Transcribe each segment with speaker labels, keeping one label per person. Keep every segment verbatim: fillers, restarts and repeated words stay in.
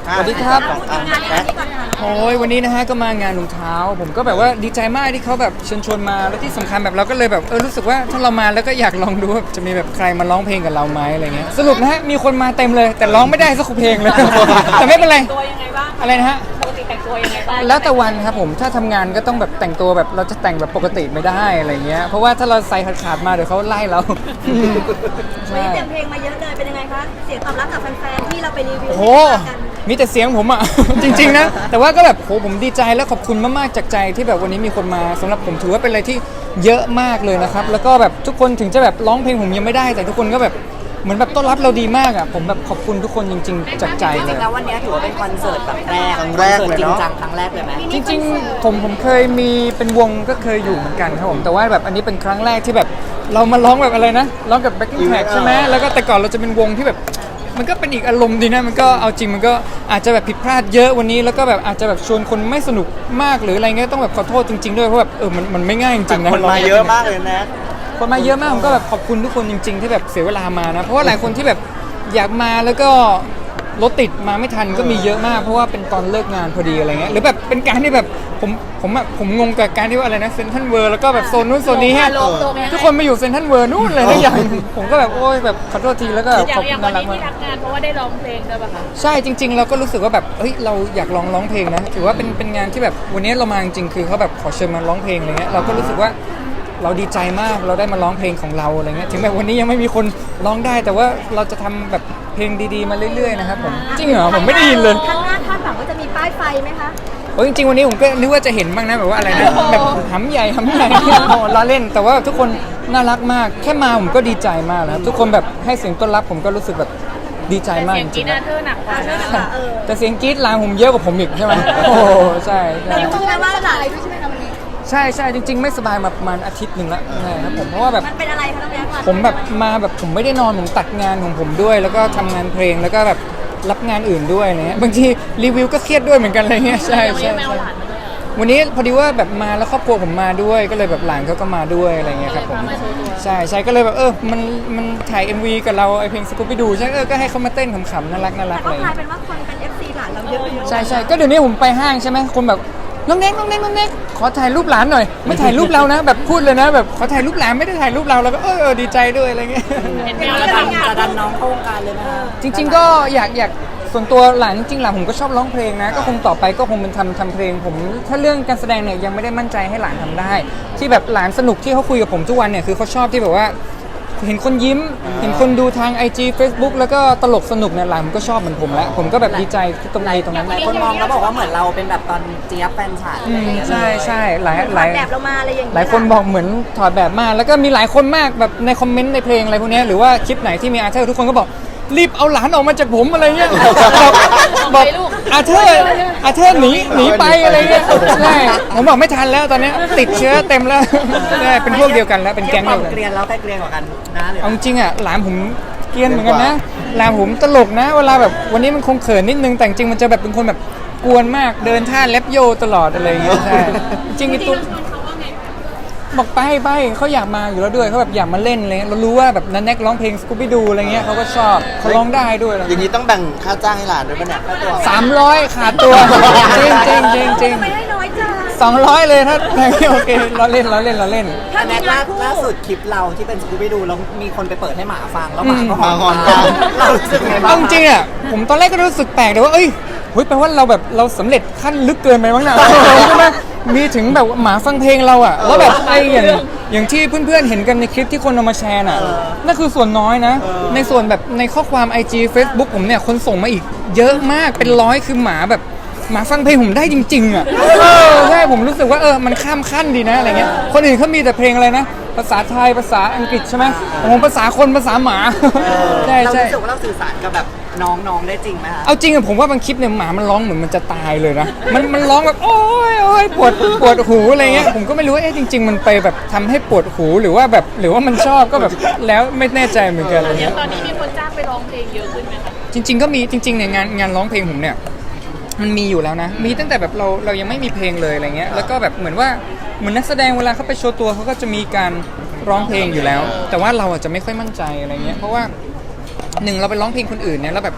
Speaker 1: สวัสดีครับ
Speaker 2: แบ็ค
Speaker 1: โอ้ยวันนี้นะฮะก็มางานรองเท้าผมก็แบบว่าดีใจมากที่เขาแบบเชิญชวนมาแล้วที่สำคัญแบบเราก็เลยแบบเออรู้สึกว่าถ้าเรามาแล้วก็อยากลองดูว่าจะมีแบบใครมาร้องเพลงกับเราไหมอะไรเงี้ยสรุปนะฮะมีคนมาเต็มเลยแต่ร้องไม่ได้สักเพลงเลย แต่ไม่เป็นไร
Speaker 3: ตัวยังไงบ้าง
Speaker 1: อะไรนะฮะ
Speaker 3: ปกติแต่งตัวยังไงบ้าง
Speaker 1: แล้วแต่วันครับผมถ้าทำงานก็ต้องแบบแต่งตัวแบบเราจะแต่งแบบปกติไม่ได้อะไรเงี้ยเพราะว่าถ้าเราใส่ขาดๆมาเดี๋ยวเขาไล่เรา
Speaker 2: วันนี้เตรียมเพลงมาเยอะเลยเป็นยังไงคะเสียงตอบรับจากแฟนๆที่เราไปรีวิว
Speaker 1: โอ้โห
Speaker 2: ให้ฟังกัน
Speaker 1: มีแต่เสียงผมอ่ะ จริงๆนะแต่ว่าก็แบบโหผมดีใจและขอบคุณมากๆจากใจที่แบบวันนี้มีคนมาสำหรับผมถือว่าเป็นอะไรที่เยอะมากเลยนะครับแล้วก็แบบทุกคนถึงจะแบบร้องเพลงผมยังไม่ได้แต่ทุกคนก็แบบเหมือนแบบต้อนรับเราดีมากอ่ะผมแบบขอบคุณทุกคนจริงๆจากใจ
Speaker 4: จ
Speaker 1: เล
Speaker 4: ริ
Speaker 1: ย
Speaker 4: งๆแล้ววันนี้ถือว่าเป็นคอนเสิร์ตแบบแรก
Speaker 2: ครั้งแรก
Speaker 4: คอน
Speaker 2: เลย
Speaker 4: สิร์ตจริง
Speaker 2: เนาะ
Speaker 4: จังครั้งแรกเลยไหม
Speaker 1: จริงๆผมผมเคยมีเป็นวงก็เคยอยู่เหมือนกันครับผมแต่ว่าแบบอันนี้เป็นครั้งแรกที่แบบเรามาร้องแบบอะไรนะร้องกับ backing track ใช่ไหมแล้วก็แต่ก่อนเราจะเป็นวงที่แบบมันก็เป็นอีกอารมณ์ดีนะมันก็เอาจริงมันก็อาจจะแบบผิดพลาดเยอะวันนี้แล้วก็แบบอาจจะแบบชวนคนไม่สนุกมากหรืออะไรเงี้ยต้องแบบขอโทษจริงๆด้วยเพราะแบบเออมันมันไม่ง่ายจริงๆนะ
Speaker 2: คนมาเยอะมากเลยนะ
Speaker 1: คนมาเยอะมากผมก็แบบขอบคุณทุกคนจริงๆที่แบบเสียเวลามานะเพราะว่าหลายคนที่แบบอยากมาแล้วก็รถติดมาไม่ทันก็มีเยอะมากเพราะว่าเป็นตอนเลิกงานพอดีอะไรเงี้ยหรือแบบเป็นการที่แบบผมผมอะผมงงกับการที่ว่าอะไรนะเซนทรัลเวิร์แล้วก็แบบโซนนู้นโซนนี้ฮะทุกคนมาอยู่เซนทรัลเวิร์นู่นเลยทุกอย่างผมก็แบบโอ้ยแบบขอโทษทีแล้วก็
Speaker 3: อ
Speaker 1: ข
Speaker 3: ย่า
Speaker 1: อง บ
Speaker 3: อย่าง
Speaker 1: คุ
Speaker 3: วั
Speaker 1: ณ
Speaker 3: น
Speaker 1: น่ารั
Speaker 3: นี้
Speaker 1: ก
Speaker 3: ที่
Speaker 1: มาก
Speaker 3: ทักงานเพราะว่าได้ร้องเพลงด้วยป่ะคะ
Speaker 1: ใช่จริง ๆ เราก็รู้สึกว่าแบบเฮ้ยเราอยากลองร้องเพลงนะถือว่าเป็นเป็นงานที่แบบวันนี้เรามาจริงๆคือเขาแบบขอเชิญมาร้องเพลงอะไรเงี้ยเราก็รู้สึกว่าเราดีใจมากเราได้มาร้องเพลงของเราอะไรเงี้ยถึงแม้วันนี้ยังไม่มีคนร้องได้แต่ว่าเราจะทำแบบเพลงดีๆมาเรื่อยๆนะครับผมจริงเหรอผมไม่ได้ยินเลย
Speaker 2: ข้างหน้าคาดหวังว่าจะมีป้ายไฟไหมคะ
Speaker 1: โอ้ยจริงๆวันนี้ผมก็นึกว่าจะเห็นบ้างนะแบบว่าอะไรนะแบบหำใหญ่หำใหญ่โอ้ล้อเล่นแต่ว่าทุกคนน่ารักมากแค่มาผมก็ดีใจมากแล้วทุกคนแบบให้เสียงต้อนรับผมก็รู้สึกแบบดีใจมาก
Speaker 3: เสีย
Speaker 1: จ
Speaker 3: งกี
Speaker 1: ริง
Speaker 3: นาเธอร์หนักกว่านะ
Speaker 2: เออ
Speaker 1: ๆแต่เสียงกรี๊ดลามผมเยอะกว่าผมอีกใช่ไหมโอ้ใช่ใช่
Speaker 2: แต่รู้ไหมว่าหลายด้วยใช่ไหมคะวันนี้
Speaker 1: ใช่ใช่จริง ๆ ไม่สบายมาประมาณอาทิตย์หนึ่งแล้วใช่ครับผมเพราะว่าแบบ
Speaker 2: มันเป็นอะไรคะน้องแบ๊ก
Speaker 1: ผมแบบมาแบบผมไม่ได้นอนผมตัดงานของผมด้วย แล้วก็ทำงานเพลงแล้วก็แบบรับงานอื่นด้วยอะไรเงี้ยบางทีรีวิวก็เครียดด้วยเหมือนกันอะไรเงี้ยใช่
Speaker 3: ยัง
Speaker 1: ใช่
Speaker 3: ไม่เอา
Speaker 1: ใช่
Speaker 3: หลานมาด้วยอ่ะ
Speaker 1: วันนี้พอดีว่าแบบมาแล้วครอบครัวผมมาด้วยก็เลยแบบหลานเขาก็มาด้วยอะไรเงี้ยครับผม
Speaker 3: มาโชว์ตัว
Speaker 1: ใช่ใช่ก็เลยแบบเออมันมันถ่าย เอ็ม วี กับเราไอเพลงสกูปปี้ดูใช่เออก็ให้เขามาเต้นขำๆน่ารักน่ารั
Speaker 2: แต่
Speaker 1: ก
Speaker 2: ก็
Speaker 1: เลย
Speaker 2: กลายเป็นว่าคนเป็น เอฟ ซี หลานเราเยอะอยู่
Speaker 1: ใช่ใช่ก็เดี๋ยวนี้ผมไปห้างใช่ไหมคนแบบน้องเน็กน้องเน็กน้องเน็กขอถ่ายรูปหลานหน่อยไม่ถ่ายรูปเรานะ แบบพูดเลยนะแบบขอถ่ายรูปหลานไม่ได้ถ่ายรูปเราแล้วก็เออเออดีใจด้วยอะไรเงี้ย
Speaker 3: เห็นแม
Speaker 4: จะ
Speaker 3: วแล้ว
Speaker 4: ดัน
Speaker 3: ทำงาน
Speaker 4: จะดันน้องเข้าวงการเลยไหมคะ
Speaker 1: จริงๆก็อยากอยากส่วนตัวหลานจริงๆหลานผมก็ชอบร้องเพลงนะก็คงต่อไปก็คงเป็นทำทำเพลงผมถ้าเรื่องการแสดงเนี่ยยังไม่ได้มั่นใจให้หลานทำได้ ที่แบบหลานสนุกที่เขาคุยกับผมทุกวันเนี่ยคือเขาชอบที่แบบว่า เห็นคนยิ้มเห็นคนดูทาง ไอ จี Facebook แล้วก็ตลกสนุกเนี่ยหลานผมก็ชอบเหมือนผมแล้วผมก็แบบดีใจตรงนี้ตรงนั้น
Speaker 4: หลายคนมองแล้วบอกว่าเหมือนเราเป็นแบบตอนเจี๊ยบแฟนฉัน
Speaker 1: อื
Speaker 4: อะไร
Speaker 1: ม
Speaker 4: อย่างเงี้ย
Speaker 1: ใช่ใช่หลาย
Speaker 2: ห
Speaker 1: ห
Speaker 2: ลา
Speaker 1: ลาย ย
Speaker 2: แบบเรามาอะไรอย่างเงี้ย
Speaker 1: หลายคนบอกเหมือนถอดแบบมากแล้วก็มีหลายคนมากแบบในคอมเมนต์ในเพลงอะไรพวกเนี้ยหรือว่าคลิปไหนที่มีอาร์เธอร์ทุกคนก็บอกรีบเอาหลานออกมาจากผมอะไรเงี้ยบอกบอกอาร์เธอร์อาร์เธอร์หนีหนีไปอะไรเงี้ยใช่ผมบอกไม่ทันแล้วตอนเนี้ยติดเชื้อเต็มแล้วใช่เป็นพวกเดียวกันแล้วเป็นแก๊ง
Speaker 4: เที
Speaker 1: เดี
Speaker 4: ยบ
Speaker 1: ยวกัน
Speaker 4: ความเกรียนแล้วใครเกรียนกว่ากันนะหรือ
Speaker 1: เอาจริงๆอ่ะหลานผมเกรียนเหมือนกันนะหลานผมตลกนะเวลาแบบวันนี้มันคงเขินนิดนึงแต่จริงๆมันจะแบบเป็นคนแบบกวนมากเดินท่าแลปโยตลอดอะไรเงี้ยใช่จริงๆไอ้ตุ๊กบอกไปไปเขาอยากมาอยู่แล้วด้วยเขาแบบอยากมาเล่นอะไรเลยเรารู้ว่าแบบนันแน็กร้องเพลงสกูบี้ดูอะไรเงี้ยเขาก็ชอบเขาร้องได้ด้วย
Speaker 5: อย่างนี้ต้องแบ่งค่าจ้างให้หลานด้วยป่ะเนี่ยค่าตัว
Speaker 1: สามร้อยขาดตัวจริงจริงจริงจริง
Speaker 2: ไม่ให้น้อยจัง
Speaker 1: สองร้อยเลยถ้าโอเคเราเล่นเราเล่นเราเล่น
Speaker 2: ถ้า
Speaker 4: อัน
Speaker 2: มี
Speaker 4: แรก
Speaker 2: งา
Speaker 4: ล่าน
Speaker 2: คู่
Speaker 4: ล่าสุดคลิปเราที่เป็นสกูบี้ดูแล้วมีคนไปเปิดให้หมาฟังแล้วหมาก็
Speaker 5: หมาห
Speaker 4: ห
Speaker 5: อ
Speaker 4: อน น
Speaker 5: ตาม
Speaker 4: เรารู้สึกไงบ้า
Speaker 1: เอา
Speaker 4: ง
Speaker 1: จริงอ่ะผมตอนแรกก็รู้สึกแปลกแต่ว่าเอ้ยเฮ้ยแปลว่าเราแบบเราสำเร็จขั้นลึกเกินไปมั้งนะใช่ไหมมีถึงแบบหมาฟังเพลงเราอ่ะแล้วแบบไอ้อย่างอย่างที่เพื่อนๆเห็นกันในคลิปที่คนเอามาแชร์น่ะนั่นคือส่วนน้อยนะ ในส่วนแบบในข้อความ ไอ จี Facebook ผมเนี่ยคนส่งมาอีกเยอะมากเป็นร้อยคือหมาแบบหมาฟังเพลงผมได้จริงๆอ่ะเออใช่ผมรู้สึกว่าเออมันข้ามขั้นดีนะอะไรเงี้ยคนอื่นเขามีแต่เพลงอะไรนะภาษาไทยภาษาอังกฤษใช่ไหมผมภาษาคนภาษาหมาใช่
Speaker 4: เรา
Speaker 1: ใช่
Speaker 4: รู้สึกว่าเราสื่อสารกับแบบน้องๆได้จริงไหมคะ
Speaker 1: เอาจริงอะผมว่าบางคลิปเนี่ยหมามันร้องเหมือนมันจะตายเลยนะ มันมันร้องแบบโอ้ยโอ้ยปวดปวดหูอะไรเงี้ย ผมก็ไม่รู้ว่าเอ๊ะจริง ๆ มันไปแบบทำให้ปวดหูหรือว่าแบบหรือว่ามันชอบก็แบบแล้วไม่แน่ใจเหมือนกันอะไร
Speaker 3: อย่า
Speaker 1: เงี้
Speaker 3: ง
Speaker 1: ย
Speaker 3: ตอนนี้มีคนจ้างไปร้องเพลงเยอะขึ้นไหมคะ
Speaker 1: จริง ๆ ก็มีจริงๆเนี่ยงานงานร้องเพลงผมเนี่ยมันมีอยู่แล้วนะ มีตั้งแต่แบบเราเรายังไม่มีเพลงเลยอะไรเงี้ย แล้วก็แบบเหมือนว่าเหมือนนักแสดงเวลาเขาไปโชว์ตัวเขาก็จะมีการร้องเพลงอยู่แล้ว แต่ว่าเราอาจจะไม่ค่อยมั่นใจอะไรเงี้ย เพราะว่าหนึ่งเราไปร้องเพลงคนอื่นเนี่ยแล้วแบบ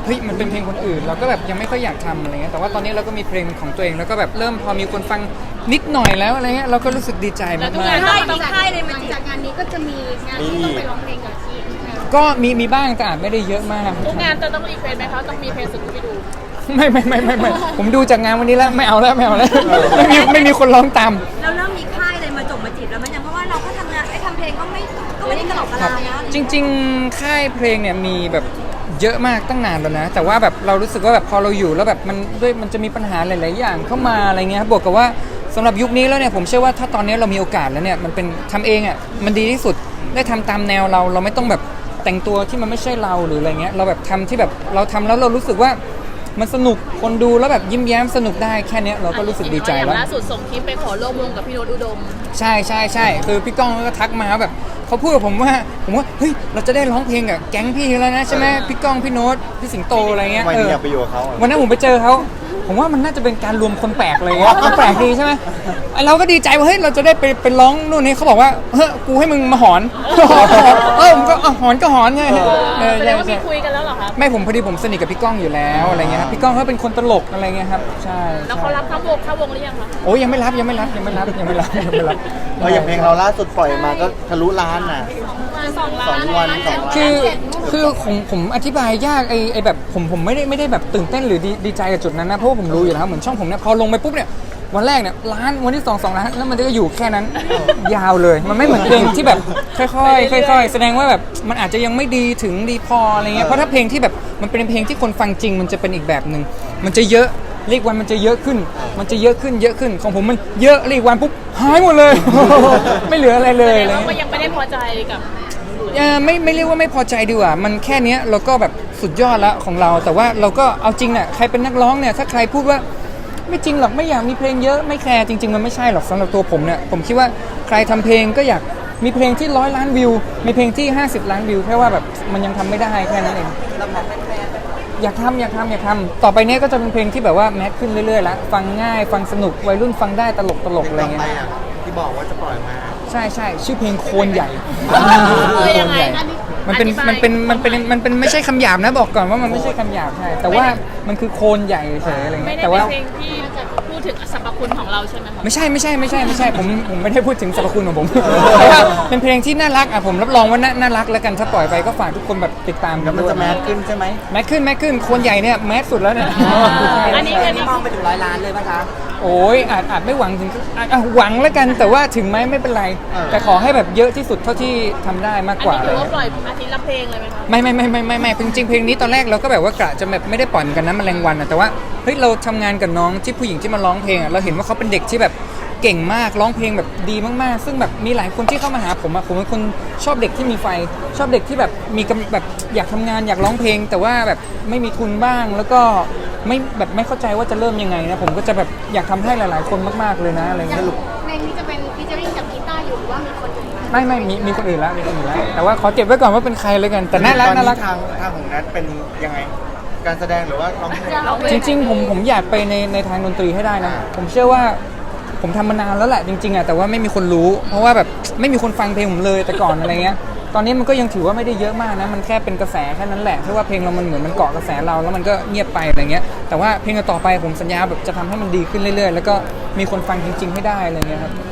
Speaker 1: เฮ้ยมันเป็นเพลงคนอื่นเราก็แบบยังไม่ค่อยอยากทำอะไรเงี้ยแต่ว่าตอนนี้เราก็มีเพลงของตัวเองแล้วก็แบบเริ่มพอมีคนฟังนิดหน่อยแล้วอะไรเงี้ยเราก็รู้สึกดีใจมาก
Speaker 2: ค่ายมีค่ายเลยมาจีบ
Speaker 3: จากงานนี้ก็จะมีงานที่ต้องไปร้องเพลงกับทีม
Speaker 1: ๆก็มีมีบ้างแต่อาจไม่ได้เยอะมาก
Speaker 3: ทุกงานจะต้องรีเควสไหมคะต้องมีเพลงสุดที่ดู
Speaker 1: ไม่ไม่ไม่ไม่ไม่ผมดูจากงานวันนี้แล้วไม่เอาแล้วไม่เอาแล้วไม่มีไม่มีคนร้องตาม
Speaker 2: เราเริ่มมีค่ายเลยมาจบมาจีบแล้วมันยังเพราะว่าเราก็ทำงานไอ้ทำเพลงก็ไม่ก็ไม่ได้กระหล่ำกระลานะ
Speaker 1: จริงๆ ค่ายเพลงเนี่ยมีแบบเยอะมากตั้งนานแล้วนะ แต่ว่าแบบเรารู้สึกว่าแบบพอเราอยู่แล้วแบบมันด้วยมันจะมีปัญหาหลายๆอย่างเข้ามาอะไรเงี้ยครับบวกกับว่าสำหรับยุคนี้แล้วเนี่ยผมเชื่อว่าถ้าตอนนี้เรามีโอกาสแล้วเนี่ยมันเป็นทำเองอ่ะมันดีที่สุดได้ทำตามแนวเราเราไม่ต้องแบบแต่งตัวที่มันไม่ใช่เราหรืออะไรเงี้ยเราแบบทำที่แบบเราทำแล้วเรารู้สึกว่ามันสนุกคนดูแล้วแบบยิ้มแย้มสนุกได้แค่เนี้ยเราก็รู้สึกดีใจ
Speaker 3: อย่า
Speaker 1: แล้ว
Speaker 3: งล่าสุดส่งคลิปไปขอร่วมวงกับพี่โน้ตอุดม
Speaker 1: ใช่ใช่ใช่คือพี่ก้องก็ทักมาแบบเขาพูดกับผมว่าผมว่าเฮ้ยเราจะได้ร้องเพลงกับแก๊งพี่แล้วนะใช่ไหมพี่ก้องพี่โน้ตพี่สิงโตอะไรเงี้ย
Speaker 5: วัน
Speaker 1: เอ
Speaker 5: นี้
Speaker 1: อ
Speaker 5: อยากไปอยู่กับเขาอะ
Speaker 1: วันนั้นผมไปเจอเขาผมว่ามันน่าจะเป็นการรวมคนแปลกเลยอะมันแปลกดีใช่ไหมไอ้เราก็ดีใจว่าเฮ้ยเราจะได้ไปไปร้องนู่นนี่เขาบอกว่าเฮ้ยกูให้มึงมาหอนเออผมก็อ่ะหอนก็หอนไงเออ
Speaker 3: แสด
Speaker 1: ใช่
Speaker 3: งว่ามี
Speaker 1: ใช่
Speaker 3: คุยกันแล้วเหรอคะ
Speaker 1: ไม่ผมพอดีผมสนิทกับพี่ก้องอยู่แล้วอะไรเงี้ยครับพี่ก้องเขาเป็นคนตลกอะไรเงี้ยครับใช่
Speaker 3: แล้วเขารับเข้าวงเข้าวงหรือยังคะ
Speaker 1: โอ้ยยังไม่รับยังไม่รับยังไม่รับยังไม่รับยังไม่รับ
Speaker 5: เพราะอย่างเพลงเราล่าสุดปล่อยมาก็ทะลุล้านน่ะ
Speaker 3: สองล้า
Speaker 5: สอน งวันสองล้าน
Speaker 1: คือคือผมผมอธิบายยากไอไอแบบผมผมไม่ได้ไม่ได้แบบตื่นเต้นหรือดีดีใจกับจุดนั้นนะเพราะว่าผมรู้อยู่แล้วเหมือนช่องผมเนี่ยพอลงไปปุ๊บเนี่ยวันแรกเนี่ยล้านวันที่สองสองล้านแล้วมันก็อยู่แค่นั้นยาวเลยมันไม่เหมือนเพลงที่แบบค่อยๆค่อยๆแสดงว่าแบบมันอาจจะยังไม่ดีถึงดีพออะไรเงี้ยเพราะถ้าเพลงที่แบบมันเป็นเพลงที่คนฟังจริงมันจะเป็นอีกแบบหนึ่งมันจะเยอะเรียกวันมันจะเยอะขึ้น มันจะเยอะขึ้นเยอะขึ้นของผมมันเยอะเรียกวันปุ๊บหายหมดเลย ไม่เหลืออะไรเลย
Speaker 3: แสดง
Speaker 1: อะไร
Speaker 3: ว่าก็
Speaker 1: เงี้ย
Speaker 3: ยังไม่ได้พอใจกับ
Speaker 1: เอ่อไม่ไม่เรียกว่าไม่พอใจดีกว่ามันแค่เนี้ยเราก็แบบสุดยอดแล้วของเรา แต่ว่าเราก็เอาจริงน่ะใครเป็นนักร้องเนี่ยถ้าใครพูดว่าไม่จริงหรอกไม่อยากมีเพลงเยอะไม่แคร์จริงๆมันไม่ใช่หรอกสำหรับตัวผมเนี่ยผมคิดว่าใครทำเพลงก็อยากมีเพลงที่ร้อยล้านวิวมีเพลงที่ห้าสิบล้านวิวแค่ว่าแบบมันยังทำไม่ได้แค่นั้นเองอยากทำอยากทำอยากทำต่อไปเนี้ยก็จะเป็นเพลงที่แบบว่าแมสขึ้นเรื่อยๆแล้วฟังง่ายฟังสนุกวัยรุ่นฟังได้ตลกตลกๆอะไร
Speaker 5: ต่อ
Speaker 1: เงี้
Speaker 5: ไป
Speaker 1: ย
Speaker 5: อ่ะที่บอกว่าจะปล่อยมา
Speaker 1: ใช่ใช่ชื่อเพลงโคนใหญ่
Speaker 3: เออยังไง
Speaker 1: มันเป็น
Speaker 3: อธิบาย
Speaker 1: มันเป็นมันเป็นมันเป็นไม่ใช่คำหยาบนะบอกก่อนว่ามันไม่ใช่คำหยาบใช่แต่ว่ามันคือโคนใหญ่เฉยอะไร
Speaker 3: ไม่
Speaker 1: เงี้ย
Speaker 3: ได้
Speaker 1: แต่
Speaker 3: เป็
Speaker 1: ว่า
Speaker 3: นเพลงที่พูดถึงสรรพคุณของเราใช่ไหมคะ
Speaker 1: ไม่ใช่ไม่ใช่ไม่ใช่ไม่ใช่ผมผมไม่ได้พูดถึงสรรพคุณของผมแต่ว่าเป็นเพลงที่น่ารักอ่ะผมรับรองว่าน่าน่ารักแล้วกันถ้าปล่อยไปก็ฝากทุกคนแบบติดตามกั
Speaker 5: แล้
Speaker 1: น
Speaker 5: วมัน
Speaker 1: ด้วย
Speaker 5: จะแมสขึ้นใช่ไหม
Speaker 1: แมสขึ้นแมสขึ้นโคนใหญ่เนี่ยแมสสุดแล้วเนี่ย
Speaker 3: อันนี้อันนี้
Speaker 4: มองไปถึงร้อยล้านเลยป่ะคะ
Speaker 1: โอ้ยอาจอาจไม่หวังถึงอ่ะอ่ะหวังแล้วกันแต่ว่าถึงไหมไม่เป็นไร แต่ขอให้แบบเยอะที่สุดเท่าที่ทำได้มาก
Speaker 3: อัน
Speaker 1: กว่า
Speaker 3: นี้ถือว่าปล่อยอาทิตย์ละเพลงเลยไหมคะ
Speaker 1: ไม่ไม่ไม่ไม่ไม่ไม่จริงๆเพลงนี้ตอนแรกเราก็แบบว่ากะจะแบบไม่ได้ปล่อยเหมือนกันนะแมลงวันอะแต่ว่าเฮ้ยเราทำงานกับน้องที่ผู้หญิงที่มาร้องเพลงอะเราเห็นว่าเขาเป็นเด็กที่แบบเก่งมากร้องเพลงแบบดีมากๆ ซึ่งแบบมีหลายคนที่เข้ามาหาผมอะผมเป็นคนชอบเด็กที่มีไฟ ชอบเด็กที่แบบมีกำแบบอยากทำงานอยากร้องเพลง แต่ว่าแบบไม่มีทุนบ้าง แล้วก็ไม่แบบไม่เข้าใจว่าจะเริ่มยังไงนะผมก็จะแบบอยากทำให้หลายๆ คนมากๆเลยนะอะไรเงี้ย
Speaker 3: เพลงนี้จะเป็นฟีเจอริ่งกับกีตาร์อยู่หรือว่ามีคนอื่นไหม
Speaker 1: ไม่ไม่มีมีคนอื่นแล้วมีคนอื่นแล้วแต่ว่าขอเก็บไว้ก่อนว่าเป็นใครเลยกันแต่น่ารัก
Speaker 5: ตอน
Speaker 1: น่า
Speaker 5: นี้
Speaker 1: รัก
Speaker 5: ทางทางของนัทเป็นยังไง การแสดงหรือว่าร้องเพลง
Speaker 3: ร้องเพล
Speaker 1: จริงๆผมผมอยากไปในในทางดนตรีให้ได้นะ ผมเชื่อว่าผมทำมานานแล้วแหละจริงๆอ่ะแต่ว่าไม่มีคนรู้ เพราะว่าแบบไม่มีคนฟังเพลงผมเลยแต่ก่อนอะไรเงี้ยตอนนี้มันก็ยังถือว่าไม่ได้เยอะมากนะมันแค่เป็นกระแสแค่นั้นแหละเพราะว่าเพลงเรามันเหมือนมันเกาะกระแสเราแล้วมันก็เงียบไปอะไรเงี้ยแต่ว่าเพลงต่อไปผมสัญญาแบบจะทำให้มันดีขึ้นเรื่อยๆ แล้วก็มีคนฟังจริง ๆให้ได้อะไรเงี้ยครับ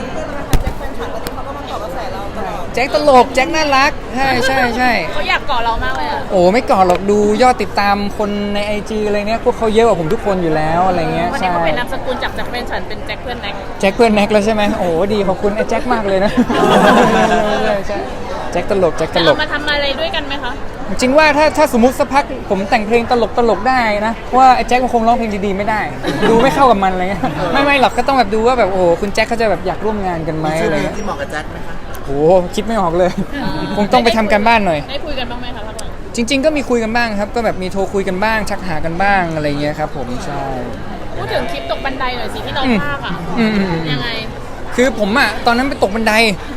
Speaker 1: แจ็คตลกแจ็คน่ารักใช่ใช่ใช่
Speaker 3: เขาอยากเกาะเรามากเลยอ่ะ
Speaker 1: โอ้ไม่ก่อนหรอกดูยอดติดตามคนใน ไอ จี อะไรเนี้ยพวกเขาเยอะกว่าผมทุกคนอยู่แล้วอะไรเงี้ย
Speaker 3: วันนี้
Speaker 1: ใช่
Speaker 3: เขาเป็นนามสกุลจากจากเป็นฉันเป็นแจ็คเพื่อนแน็ก
Speaker 1: แจ็คเพื่อนแน็กแล้วใช่ไหมโอ้ดีขอบคุณไอ้แจ็คมากเลยนะ ใช่ใช่แจ็คตลกแจ็คต
Speaker 3: จะ
Speaker 1: ล
Speaker 3: เอา
Speaker 1: ก
Speaker 3: มาทำอะไรด้วยกันไหมคะ
Speaker 1: จริงว่าถ้าถ้าสมมติสักพักผมแต่งเพลงตลกตลกได้นะเพราะว่าไอ้แจ็คมันคงร้องเพลงดีๆไม่ได้ ดูไม่เข้ากับมันอะไรเงี้ยไม่ไม่หรอกก็ต้องแบบดูว่าแบบโอ้โหคุณแจ็คเขาจะแบบอยากร่วมงานกันไหม
Speaker 5: มีชื่อ
Speaker 1: อะไร
Speaker 5: เพลง
Speaker 1: เงี้ย
Speaker 5: ที่เหมาะกับแจ็คไหมคะ
Speaker 1: โอ้โหคิดไม่ออกเลย คงต้องไปทำกันบ้านหน่อย
Speaker 3: ได้คุยกันบ้างไหมคะพักหลัง
Speaker 1: จริง ๆ ก็มีคุยกันบ้างครับ ก็แบบมีโทรคุยกันบ้าง ชักหากันบ้างอะไรเงี้ยครับผมใช่
Speaker 3: พูดถึงคลิปตกบันไดหน่อยสิที่เรา
Speaker 1: อืม
Speaker 3: พากอ่ะ
Speaker 1: อืมอืมอืม
Speaker 3: ยังไง
Speaker 1: คือผมอ่ะตอนนั้นไปตกบันได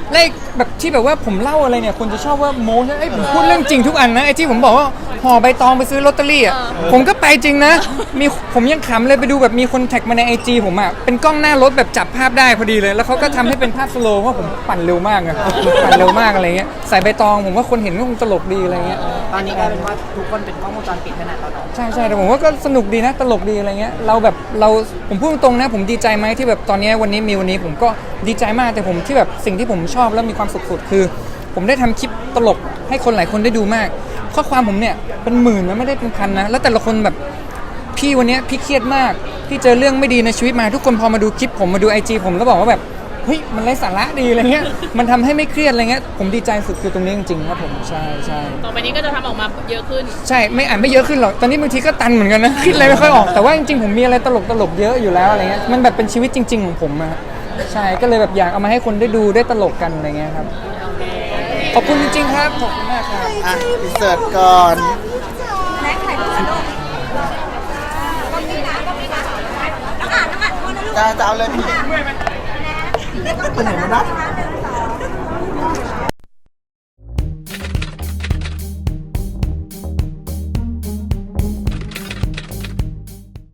Speaker 1: และแบบที่แบบว่าผมเล่าอะไรเนี่ยคนจะชอบว่าโม้ใช่ไอ้ยผมพูดเรื่องจริงทุกอันนะไอ้ที่ผมบอกว่าห่อใบตองไปซื้อลอตเตอรี่อ่ะผมก็ไปจริงนะมีผมยังขำเลยไปดูแบบมีคนแท็กมาในไอจีผมอ่ะเป็นกล้องหน้ารถแบบจับภาพได้พอดีเลย แล้วเขาก็ทำให้เป็นภาพสโลว์เพราะผมปั่นเร็วมากอะปั่นเร็วมากอะไรเงี้ยใส่ใบตองผมว่าคนเห็นก็คงตลกดีอะไรเงี้ย
Speaker 4: ตอนนี้กลายเป็นว่าทุกคนเป็นกล้องวงจรปิดขนาดเราเนาะ
Speaker 1: ใช่ใช่แต่ผมว่าก็สนุกดีนะตลกดีอะไรเงี้ยเราแบบเราผมพูดตรงๆนะผมดีใจไหมที่แบบตอนนี้วันนี้มีวันนี้ผมก็ดีใจมากแต่ผมที่แบบสิ่งที่ผมชอบแล้วมีความสุขสุดคือ ผมได้ทำคลิปตลกให้คนหลายคนได้ดูมากข้อความผมเนี่ยเป็นหมื่นนะไม่ได้เป็นพันนะแล้วแต่ละคนแบบพี่วันนี้พี่เครียดมากพี่เจอเรื่องไม่ดีในชีวิตมาทุกคนพอมาดูคลิปผมมาดูไอจีผมแล้วบอกว่าแบบเฮ้ยมันไร้สาระดีอะไรเงี้ยมันทำให้ไม่เครียดอะไรเงี้ยผมดีใจสุดคือตรงนี้จริงๆครับผมใช่ใช่
Speaker 6: ต่อไปนี้ก็จะทำออกมาเยอะขึ้น
Speaker 1: ใช่ไม่อ่านไม่เยอะขึ้นหรอกตอนนี้บางทีก็ตันเหมือนกันนะคิดอะไรไม่ค่อยออกแต่ว่าจริงๆผมมีอะไรตลกตลกๆเยอะอยู่แล้วอะไรเงี้ยมันแบบเป็นชีวิตจริง ๆของผมอะใช่ก็เลยแบบอยากเอามาให้คนได้ดูได้ตลกกันอะไรเงี้ยครับขอบคุณจริงๆครับขอบคุณมากครับ
Speaker 5: อ่ะอินเสิร์ตก่อน
Speaker 2: แน็กถ่ายรูปกับลูกก็มีนะก็มีนะน้องอ่านน้องอ่านคนนะลูก
Speaker 5: จะจะเอาเลยพี่
Speaker 2: ไปไหนไม่ได้หนึ่งสอง